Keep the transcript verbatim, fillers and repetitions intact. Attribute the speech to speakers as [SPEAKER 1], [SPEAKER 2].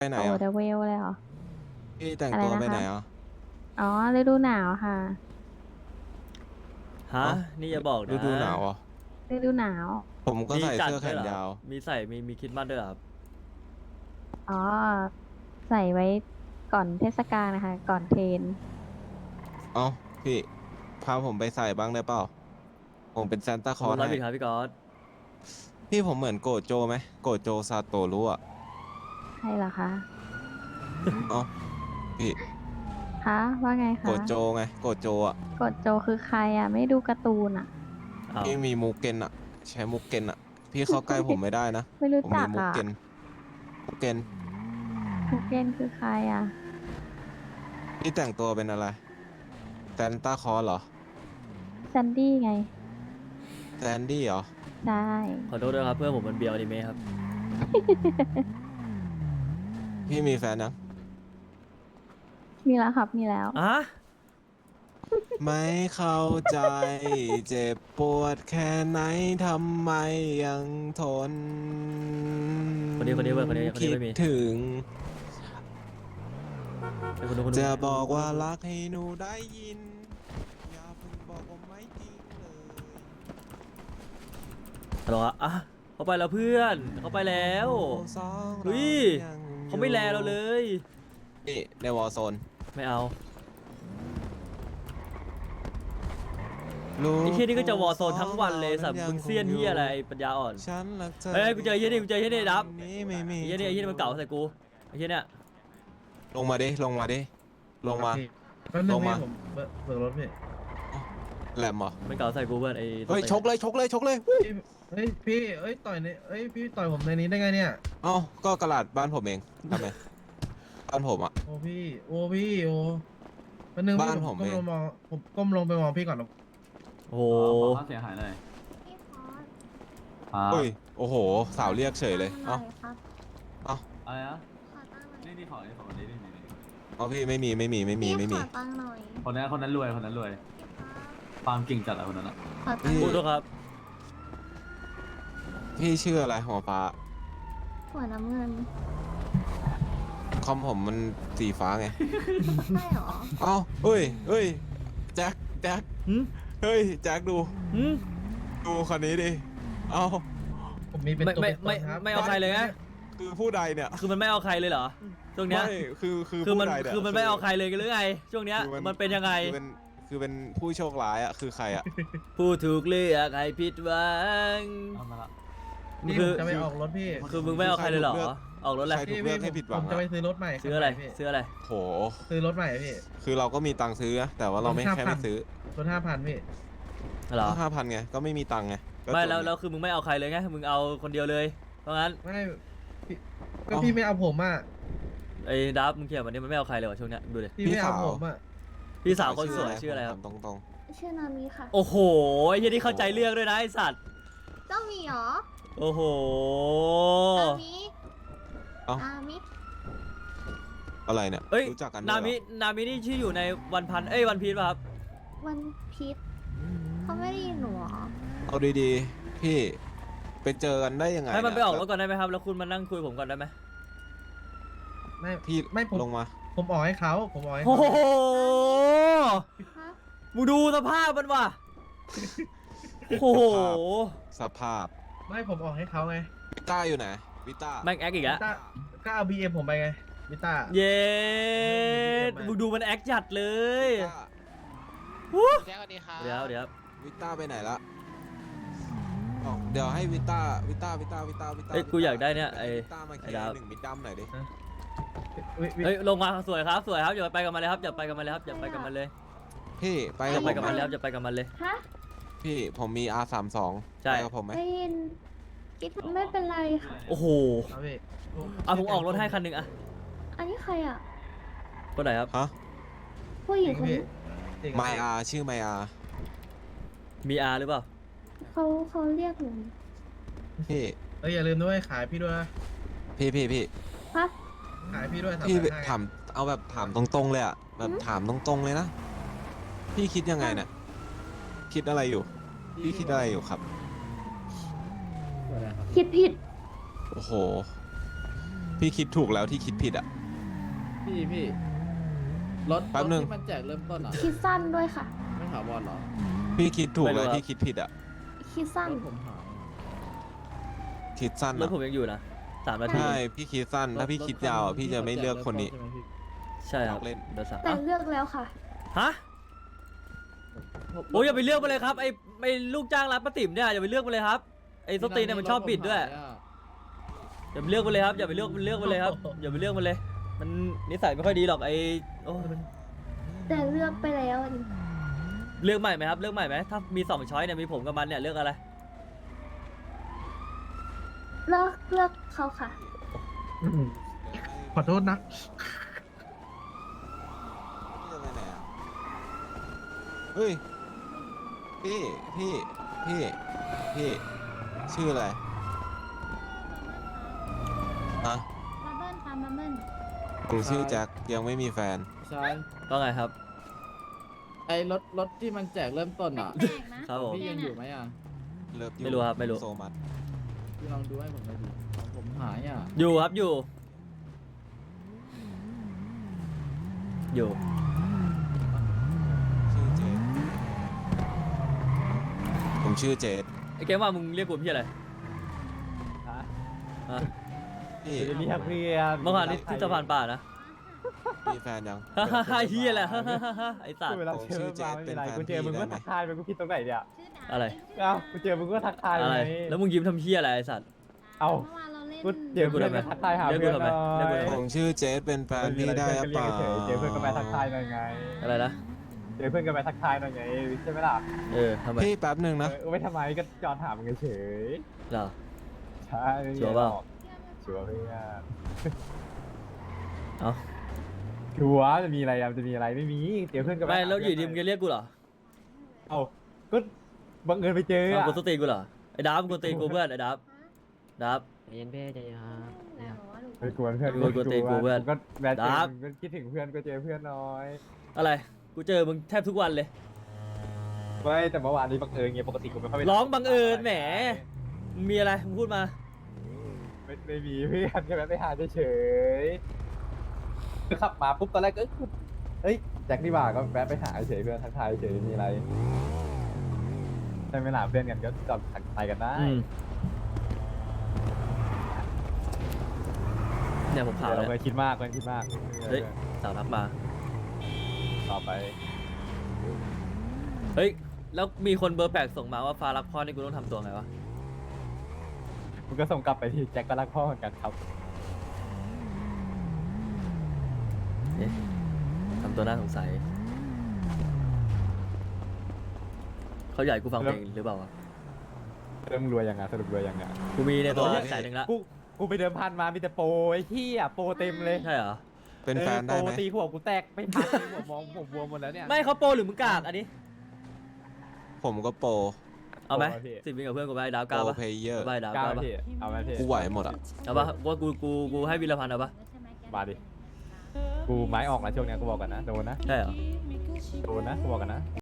[SPEAKER 1] ไปไหน
[SPEAKER 2] โอ้
[SPEAKER 1] อ่ะ
[SPEAKER 2] เดอะเวลเลยเหรอ
[SPEAKER 1] พี่แต่ง
[SPEAKER 2] อะไร
[SPEAKER 1] ตัว
[SPEAKER 2] นะคะ
[SPEAKER 1] ไปไหนอ่ะ
[SPEAKER 2] อ๋อฤดูหนาวค่ะ
[SPEAKER 3] ฮะ
[SPEAKER 1] เอ้า
[SPEAKER 3] นี่อย่าบอก
[SPEAKER 1] ฤ
[SPEAKER 3] นะ
[SPEAKER 1] ดูหนาวอ่ะ
[SPEAKER 2] ฤดูหนาว
[SPEAKER 1] ผมก็
[SPEAKER 3] มีจัด
[SPEAKER 1] ใส่เสื้อแข
[SPEAKER 3] ด้วยเหรอครับ
[SPEAKER 1] นยาว
[SPEAKER 3] มีใส่มีมีคริดมัดด้วยเหรอครับ
[SPEAKER 2] อ๋อใส่ไว้ก่อนเทศกาลนะคะก่อนเทรน
[SPEAKER 1] เอ้าพี่พาผมไปใส่บ้างได้เปล่าผมเป็นซานตา
[SPEAKER 3] ขอบคุณร้อย
[SPEAKER 1] คลอสให้
[SPEAKER 3] บิตครับพี่ก๊อต
[SPEAKER 1] พี่ผมเหมือนโกโจไหมโกโจซาโตรุอ่ะ
[SPEAKER 2] ใช่เหรอคะ
[SPEAKER 1] เอ้าพี่
[SPEAKER 2] คะว่าไง
[SPEAKER 1] โก
[SPEAKER 2] คะ
[SPEAKER 1] โจไงโกโจอ่ะ
[SPEAKER 2] กดโจคือใครอ่ะไม่ดูการ์ตูนอ่ะ
[SPEAKER 3] อ้าว
[SPEAKER 1] พี่มีมูเกนอ่ะใช้มูเกนอ่ะพี่เข้าใกล้ผมไม่ได้นะ
[SPEAKER 2] ไม่รู้
[SPEAKER 1] ผม
[SPEAKER 2] จักอ่ะ
[SPEAKER 1] มีมูเกนมูเกน
[SPEAKER 2] คุกเกนคือใครอ่ะ
[SPEAKER 1] พี่แต่งตัวเป็นอะไรซานตาคลอสเหรอ
[SPEAKER 2] แซนดี้ไง
[SPEAKER 1] แซนดี้เหรอ
[SPEAKER 2] ใช่
[SPEAKER 3] ขอโทษด้วยครับเพื่อนผมมันเบียวอนิเมะครับ
[SPEAKER 1] พี่มีแฟนยัง
[SPEAKER 2] มีแล้วครับมีแล้ว
[SPEAKER 3] อ่ะ
[SPEAKER 1] ไม่เข้าใจเจ็บปวดแค่ไหนทำไมยังทน
[SPEAKER 3] คนนี้คนนี้เว้ยคนนี้คนนี้
[SPEAKER 1] คิด
[SPEAKER 3] ไม่มี
[SPEAKER 1] ถึง
[SPEAKER 3] ไอ้คนนู้นคนนู้น
[SPEAKER 1] จะบอกว่ารักให้หนูได้ยินอย่าเพิ่งบอกว่าไม่จริงเลย
[SPEAKER 3] ฮัลโหลอะอ่ะเขาไปแล้วเพื่อนเขาไปแล้ว
[SPEAKER 1] สองเรา
[SPEAKER 3] เฮ้ย
[SPEAKER 1] ยังอยู่
[SPEAKER 3] เขาไม่แลเราเลย
[SPEAKER 1] นี่ในวอร์โซน
[SPEAKER 3] ไม่เอา
[SPEAKER 1] ลูก
[SPEAKER 3] ไอ้เฮียนี่ก็จะวอร์โซนทั้งวันเลยสับ
[SPEAKER 1] ยัง
[SPEAKER 3] มึงเซียนเฮียอะไรไอ้ปัญญาอ่อน
[SPEAKER 1] ฉันรักเธอ
[SPEAKER 3] เฮ้ยกูเจอไอ้เฮียนี่กูเจอไอ้เฮียนี่ดับ
[SPEAKER 1] นี้ไม่มี
[SPEAKER 3] ไอ้เฮียนี่ไอ้เฮียนี่มันเก่าใส่กูไอ้เฮียเนี่ย
[SPEAKER 1] ลงมาดิลงมาดิลงมา
[SPEAKER 4] แป๊บนึ
[SPEAKER 1] ล
[SPEAKER 4] ง
[SPEAKER 1] ง
[SPEAKER 4] พี่
[SPEAKER 1] มา
[SPEAKER 4] ผมเบิกเบิกรถพี่
[SPEAKER 1] แหลมเหรอ
[SPEAKER 3] มันเก่าใส่กูเพื่อนไอ้
[SPEAKER 1] เฮ้ยชกเลยชกเลยชกเลย
[SPEAKER 4] พี่เฮ้ยพี่เอ้ยต่อยในเอ้ยพี่ต่อยผมในนี้ได้ไงเนี่ย
[SPEAKER 1] เอ้าก็กระดาษบ้านผมเองทำไมบ้านผมอ่ะ
[SPEAKER 4] โอ้พี่โอ้พี่โอ้แป๊บนึงพี่
[SPEAKER 1] บ้านผม
[SPEAKER 4] ก้ม
[SPEAKER 1] เอง
[SPEAKER 4] ลงมองผมก้มลงไปมองพี่ก่อน
[SPEAKER 3] โอ้โห
[SPEAKER 5] ขอค่าเสียหายหน่อยครับ
[SPEAKER 1] เฮ้ยโอ้โห สาวเรียกเฉยเลย เอ้า
[SPEAKER 6] ครับ
[SPEAKER 1] เอ้า
[SPEAKER 5] อะไรนะ
[SPEAKER 6] ขอตั้งหน่อย
[SPEAKER 5] นี่นี่ขอนี่ขอคนนี้นี่นี่นี่
[SPEAKER 1] เอาพี่ไม่มีไม่มีไม่มีไม่มี
[SPEAKER 6] ขอตั้งหน่อย
[SPEAKER 5] คนนั้นคนนั้นรวยคนนั้นรวยฟาร์มกิ่งจัดอะคนนั้นอะ
[SPEAKER 6] ขอตั้งห
[SPEAKER 3] พู
[SPEAKER 6] น่
[SPEAKER 3] ด
[SPEAKER 6] อย
[SPEAKER 3] ด้วยครับ
[SPEAKER 1] พี่ชื่ออะไรหัวฟ้า
[SPEAKER 6] หัวน้ำเงิน
[SPEAKER 1] คอมผมมันสีฟ้าไง
[SPEAKER 6] ใช่เหรอ
[SPEAKER 1] เอ้าเฮ้ยเฮ้ยแจ็คแจ็ค
[SPEAKER 3] หืม
[SPEAKER 1] เฮ้ยแจ็คดู
[SPEAKER 3] หืม
[SPEAKER 1] ดูคนนี้ดิ เอ้า
[SPEAKER 4] ผมมีเป็น
[SPEAKER 3] ไม่
[SPEAKER 4] ตัว
[SPEAKER 3] ไม่
[SPEAKER 4] เป็นต
[SPEAKER 3] ไม่
[SPEAKER 4] นครับ
[SPEAKER 3] ไม่เอาใครเลยไง
[SPEAKER 1] คือผู้ใดเนี่ย
[SPEAKER 3] คือมันไม่เอาใครเลยเหรอช่วงเนี้ย
[SPEAKER 1] ไม่คือคือ
[SPEAKER 3] คือมัน
[SPEAKER 1] ผู้ใดเย
[SPEAKER 3] คือมันไม่เอาใครเลยกันหรือไงช่วงเนี้ย
[SPEAKER 1] คือ
[SPEAKER 3] มันเป็นยังไง
[SPEAKER 1] คือเป็นคือเป็นผู้โชคร้ายอ่ะคือใครอ่ะ
[SPEAKER 3] ผู้ถูกเลือกให้ผิดหวัง
[SPEAKER 5] เอามาละ
[SPEAKER 4] นี่
[SPEAKER 3] คื
[SPEAKER 4] ผ
[SPEAKER 3] อ
[SPEAKER 4] มจะไปออกรถพี่
[SPEAKER 3] คือมึงไม่เอาใครเลยเหรอ
[SPEAKER 1] ใครถูกเลือก
[SPEAKER 3] ออกรถอะไร
[SPEAKER 1] ใคร ถูกเลือกให้ผิดหวัง
[SPEAKER 4] ผม
[SPEAKER 1] อะ
[SPEAKER 4] จะไปซื้อรถใหม่
[SPEAKER 3] ซื้ออะไร
[SPEAKER 4] พี่
[SPEAKER 3] ซื้ออะไร
[SPEAKER 1] โห
[SPEAKER 4] ซื้อรถใหม่พี่
[SPEAKER 1] คือเราก็มีตังค์ซื้อนะแต่ว่าเราไม่
[SPEAKER 4] ห้า
[SPEAKER 1] แค่
[SPEAKER 4] พั
[SPEAKER 1] ไม่
[SPEAKER 4] น
[SPEAKER 1] ซื้อ
[SPEAKER 4] รถห้าพันพี่
[SPEAKER 3] เหรอ
[SPEAKER 1] ห้าพันไงก็ไม่มีตังค์ไงก็
[SPEAKER 3] ไม่
[SPEAKER 1] จบ
[SPEAKER 3] แล้ว
[SPEAKER 1] ไง
[SPEAKER 3] แล้วคือมึงไม่เอาใครเลยไงมึงเอาคนเดียวเลยเพราะงั้น
[SPEAKER 4] ไม่พี่ก็
[SPEAKER 1] เอ้า
[SPEAKER 4] พี่ไม่เอาผมอ่ะ
[SPEAKER 3] ไอ้ดับมึงเขียนวันนี้มันไม่เอาใครเลยวะช่วงเนี้ยดูดิ
[SPEAKER 4] พี่ไม่เอาผมอ่ะ
[SPEAKER 3] พี่สาวคนสวยชื่ออะไรครับ
[SPEAKER 1] ตรงตรง
[SPEAKER 6] ชื่อนามิค่ะ
[SPEAKER 3] โอ้โหไอ้เหี้ยนี่เข้าใจเรื่องด้วยนะไอ้สัตว์
[SPEAKER 6] เจ้าหมีเหรอ
[SPEAKER 3] โอ้โห
[SPEAKER 6] นามิ
[SPEAKER 1] ๆเอ้า
[SPEAKER 6] นามิ
[SPEAKER 1] อะไรเนี่ย
[SPEAKER 3] เอ้ย
[SPEAKER 1] รู้จักกันด้วย
[SPEAKER 3] นา
[SPEAKER 1] เหรอ
[SPEAKER 3] มินามินี่ชื่ออยู่ในวันพันเอ้ยวันพีชป่ะครับ
[SPEAKER 6] วันพีชเขาไม่ได้ยินหนูเหรอ
[SPEAKER 1] เอาดีๆ พี่ไปเจอกันได้ยังไง
[SPEAKER 3] ให้มันไปออกรถ
[SPEAKER 1] เย
[SPEAKER 3] ก่อนได้ไหมครับแล้วคุณมานั่งคุยผมก่อนได้ไหม
[SPEAKER 4] ไม่
[SPEAKER 1] พี่
[SPEAKER 4] ไม่ผม
[SPEAKER 1] ลงมา
[SPEAKER 4] ผมออกให้เขาผมออกให้
[SPEAKER 3] โอ้
[SPEAKER 4] เขา
[SPEAKER 3] โห
[SPEAKER 6] ฮะ
[SPEAKER 3] มึงดูสภาพมันว่ะโอ้โห
[SPEAKER 1] สภาพ
[SPEAKER 4] ไม่ผมออกให้เขาไง
[SPEAKER 1] วิต้าอยู่ไหนวิต้า
[SPEAKER 3] แม่งแอคอีกแล้ว
[SPEAKER 4] ต้าก็เอาบีเอ็มผมไปไงวิต้า
[SPEAKER 3] เย้มึงดูมันแอคจัดเลย
[SPEAKER 1] วิต้า
[SPEAKER 3] วู้
[SPEAKER 7] แจ็คสวัสดีครับ
[SPEAKER 3] เดี๋ยวเดี๋ยว
[SPEAKER 1] วิต้าไปไหนละบอกเดี๋ยวให้วิต้าวิต้าวิต้าวิต้าวิต้า
[SPEAKER 3] เอ้ยกูอยากได้เนี่ยไอ้
[SPEAKER 1] วิต้ามาเคลีย
[SPEAKER 3] ไอ้ดาว
[SPEAKER 1] ร์หนึ่งมิดดัมหน่อยดิ
[SPEAKER 4] วิวิ
[SPEAKER 3] เอ้ยลงมาสวยครับสวยครับอย่าไปกับมันเลยครับอย่าไปกับมันเลยครับอย่าไปกับมันเลย
[SPEAKER 1] พี่ไป
[SPEAKER 3] อ
[SPEAKER 1] กั
[SPEAKER 3] ย่า
[SPEAKER 1] บ
[SPEAKER 3] ไป
[SPEAKER 1] ผม
[SPEAKER 3] กับ
[SPEAKER 1] ไหม
[SPEAKER 3] มันแล้วอย่าไปกับมันเลย
[SPEAKER 6] ฮะ
[SPEAKER 1] พี่ผมมี อาร์ สามสิบสอง
[SPEAKER 3] ใช่
[SPEAKER 1] ไปกับผมไหม
[SPEAKER 6] ได้ยินกิ๊ดไม่เป็นไรค่ะ
[SPEAKER 3] โอ้โห
[SPEAKER 4] เอาพี่
[SPEAKER 3] เอาผมออกรถให้คันหนึ่งอะ
[SPEAKER 6] อันนี้ใครอ่ะ
[SPEAKER 3] คนไหนครับ
[SPEAKER 1] ฮะ
[SPEAKER 6] ผู้หญิงคนนี้
[SPEAKER 4] จริง
[SPEAKER 1] ไมอาร์ชื่อไมอาร์
[SPEAKER 3] มีอาหรือเปล่า
[SPEAKER 6] เขาเขาเรียกหนู
[SPEAKER 1] พี่
[SPEAKER 4] เอ้ยอย่าลืมด้วยขายพี่ด้วยนะ
[SPEAKER 1] พี่พี่พี่
[SPEAKER 6] ฮะ
[SPEAKER 4] ขายพี่ด้วยสาม
[SPEAKER 1] พี่
[SPEAKER 4] พันห้า
[SPEAKER 1] ถามเอาแบบถามตรงๆเลยอะแบบถามตรงๆเลยนะพี่คิดยังไงเนี่ยคิดอะไรอยู่ พี่คิดอะไรอยู่ครับ
[SPEAKER 6] คิดผิด
[SPEAKER 1] โอ้โหพี่คิดถูกแล้วที่คิดผิดอ่ะ
[SPEAKER 7] พี่พี่รถ
[SPEAKER 1] แป๊บนึง
[SPEAKER 7] รถที่มันแจกเริ่มต้นอ่ะ
[SPEAKER 6] คิดสั้นด้วยค่ะ
[SPEAKER 7] ไม่ถาวรเหรอ
[SPEAKER 1] พี่คิดถูก
[SPEAKER 3] ไม่รู้
[SPEAKER 1] แล้ว
[SPEAKER 3] ครับ
[SPEAKER 1] ที่คิดผิดอ่ะ
[SPEAKER 6] คิดสั้น
[SPEAKER 7] รถผมหาย
[SPEAKER 1] คิดสั้น
[SPEAKER 3] รถ
[SPEAKER 1] อะ
[SPEAKER 3] ผมยังอยู่นะสามนาที
[SPEAKER 1] ใช่พี่คิดสั้นถ้าพี่คิดยาวอะพี่จะไม่เลือกคนนี้
[SPEAKER 7] ใช่ไหมพี่
[SPEAKER 3] ใช่ครับ
[SPEAKER 1] เล่น
[SPEAKER 3] เดี๋ยวสาม
[SPEAKER 6] แต่เลือกแล้วค่ะ
[SPEAKER 3] ฮะโอ้ยอย่าไปเลือกมาเลยครับไอ้ไอ้ลูกจ้างร้านป้าติ๋มเนี่ยอย่าไปเลือกมาเลยครับไอ้สตีนเนี่ยมันชอบบิดด้วย
[SPEAKER 7] รถผมหาอะ
[SPEAKER 3] อย่าไปเลือกมันเลยครับอย่าไปเลือกมันเลือกมันเลยครับอย่าไปเลือกมันเลย มันนิสัยไม่ค่อยดีหรอกไอ้โอ้ย
[SPEAKER 6] แต่เลือกไปแล้ว
[SPEAKER 3] เลือกใหม่ไหมครับเลือกใหม่ไหมถ้ามีสองช้อยเนี่ยมีผมกับมันเนี่ยเลือกอะไร
[SPEAKER 6] เลือกเลือกเขาค่ะ
[SPEAKER 4] ขอโทษนะ
[SPEAKER 1] พี่จะไปไหนอะเฮ้ยพี่พี่พี่พี่ชื่ออะไรฮะ
[SPEAKER 6] มาเบิ้ลค่ะมาเบิ้ล
[SPEAKER 1] ผมชื่อแจ็คยังไม่มีแฟน
[SPEAKER 7] ใช่
[SPEAKER 3] ก็ไงครับ
[SPEAKER 7] ไอ้รถรถที่มันแจกเริ่มต้นอ่ะ
[SPEAKER 6] แปลกนะครับ
[SPEAKER 3] ผม
[SPEAKER 7] พี่ยังอยู่ไหมอ่ะ
[SPEAKER 1] เลิฟยู
[SPEAKER 3] ไม่รู้ครับไม่รู้
[SPEAKER 1] โซมัส
[SPEAKER 7] พี่ลองดูให้ผมหน่อยดิของผมหายอ่ะ
[SPEAKER 3] อยู่ครับอยู่ อยู่
[SPEAKER 1] ชื่อเจดผมชื่อเจด
[SPEAKER 3] ไอ้เกมว่ามึงเรียกกูพี่อะไรฮะ
[SPEAKER 1] พี่
[SPEAKER 5] จะเรียกเพื่อน
[SPEAKER 3] เมื่อวานนี้ที่สะพานป่านะ
[SPEAKER 1] มีแฟนยัง
[SPEAKER 3] ฮ่าฮ่าฮ่าเฮียแหละฮ่าฮ่าฮ่าฮ่าไอ้สัตว์
[SPEAKER 5] เวลาเจอมาไม่เป็นไรกูเจอมึงก็ทักทายไปกูผิดตรงไหนเนี่ย
[SPEAKER 3] อะไร
[SPEAKER 5] เอ้ากูเจอมึงก็ทักทาย
[SPEAKER 3] อะไร
[SPEAKER 5] ไง
[SPEAKER 3] แล้วมึงยิ้มทำเฮียอะไรไอ้สัตว์
[SPEAKER 5] เอ้า
[SPEAKER 6] เมื่อวานเราเล่น
[SPEAKER 5] กูเจอเพื่อนก็ทักทายหา
[SPEAKER 3] เรียกกู
[SPEAKER 5] เพื่อน
[SPEAKER 3] ทำไม
[SPEAKER 5] หน่อย
[SPEAKER 3] เรียกกูทำไ
[SPEAKER 1] ผมชื่อเจดเป็นแฟนพี่ได้หรือเปล่า
[SPEAKER 5] เจอเพื่อนก็ไปทักทายหน่อยไง
[SPEAKER 3] อะไรนะ
[SPEAKER 5] เจอเพื่อนก็ไปทักทายหน่อยไงใช่ไหมล่ะ
[SPEAKER 3] เออทำไม
[SPEAKER 1] พี่แป๊บหนึ่งนะ
[SPEAKER 5] เออไม่ทำไมก็จอดถามมึงเฉย
[SPEAKER 3] เหรอ
[SPEAKER 5] ๆใช่ไม่มี
[SPEAKER 3] ชัวร์เปล่า
[SPEAKER 5] หอกชัวร์เพื่อน
[SPEAKER 3] เอ้า
[SPEAKER 5] ชัวร์จะมีอะไรอ่ะจะมีอะไรไม่มีเจอเพื่อนก็ป
[SPEAKER 3] ไม่แล้วอยู่ดี
[SPEAKER 5] หา
[SPEAKER 3] มึง
[SPEAKER 5] เพื่
[SPEAKER 3] จะ
[SPEAKER 5] น
[SPEAKER 3] เรียกกูเหรอ
[SPEAKER 5] เอ้าก็บังเอิญไปเจอ
[SPEAKER 3] เอา
[SPEAKER 5] อ่ะ
[SPEAKER 3] กูสตีกูเหรอไอ้ดับกูตีกูเพื่อนไอ้ดับดับ
[SPEAKER 8] ใจเย็นเพ่ใจเย็นครับ
[SPEAKER 5] ไปกวนเพื่อน
[SPEAKER 3] กวนกูตีกูเพื่อน
[SPEAKER 5] ก็แวะเจอ
[SPEAKER 3] ดับ
[SPEAKER 5] ก็คิดถึงเพื่อนก็เจอเพื่อนน้อย
[SPEAKER 3] อะไรกูเจอมึงแทบทุกวันเลย
[SPEAKER 5] ไม่แต่เมื่อวานนี้บังเอิญไงปกติกูไม่ค่อยไป
[SPEAKER 3] ร้องบังเอิญแหมมึงมีอะไรมึงพูดมา
[SPEAKER 5] ไม่ไม่มีเพื่อนแค่แวะไปหาเฉยๆคือขับมาปุ๊บตอนแรกก็เอ้ยเอ้ยแจ็คนี่หว่าก็แวะไปหาเฉยเพื่อนทักทายเฉยมีอะไรใช่ไหมล่ะเพื่อนกันก็จอดทักทายกันได้
[SPEAKER 3] อืมเนี่ยผมข่าว
[SPEAKER 5] เดี๋ยว
[SPEAKER 3] เล
[SPEAKER 5] เราเค
[SPEAKER 3] ย
[SPEAKER 5] ยคิดมากเคยคิดมาก
[SPEAKER 3] เฮ้ย สาวทักมา
[SPEAKER 5] ต่อไป
[SPEAKER 3] เฮ้ย แล้วมีคนเบอร์แปลกส่งมาว่าฟ้ารักพ่อนี่กูต้องทำตัวไงวะ
[SPEAKER 5] มันก็ส่งกลับไปที่แจ็คก็รักพ่อเหมือนกันครับ
[SPEAKER 3] เอ๊ะทำตัวน่าสงสัย เขาอยากให้กูฟังเพลงหรือเปล่าวะ
[SPEAKER 5] เริ่มรวยยังไงสรุปรวยยังไง
[SPEAKER 3] กูมีในตัว
[SPEAKER 1] โอ้ย
[SPEAKER 3] แสนหนึ่งละ
[SPEAKER 5] กูกูไปเดิมพันมามีแต่โปรไอ้ที่อ่ะโปรเต็มเลย
[SPEAKER 3] ใช่เหรอ
[SPEAKER 1] เป็นแฟนได้ไหม
[SPEAKER 5] โปรตีหัวกูแตกไม่พักหัวมองผมบวมหมดแล้วเนี่ย
[SPEAKER 3] ไม่เขาโปรหรือมึงกากอันนี้
[SPEAKER 1] ผมก็โปร
[SPEAKER 3] เอาไหม
[SPEAKER 5] โปรพี่
[SPEAKER 3] สิบวิกับเพื่อนกูไปดาว
[SPEAKER 1] โป
[SPEAKER 3] เก้าร ปะ
[SPEAKER 1] เพลเยอร์
[SPEAKER 3] เอาไปดาว
[SPEAKER 5] กล้า
[SPEAKER 3] เก้า
[SPEAKER 5] ไหม
[SPEAKER 3] ปะ
[SPEAKER 5] พี่เอาไหมพี่
[SPEAKER 1] กูไหวหมดอ่ะ
[SPEAKER 3] เอาปะว่ากูกูกูให้วีรพันธ์เอาปะ
[SPEAKER 5] มาดิ กูไม้ออกนะช่วงเนี้ยกูบอกกันนะโดนนะ
[SPEAKER 3] ใช่เหรอ
[SPEAKER 5] โดนนะกูบอกกันนะ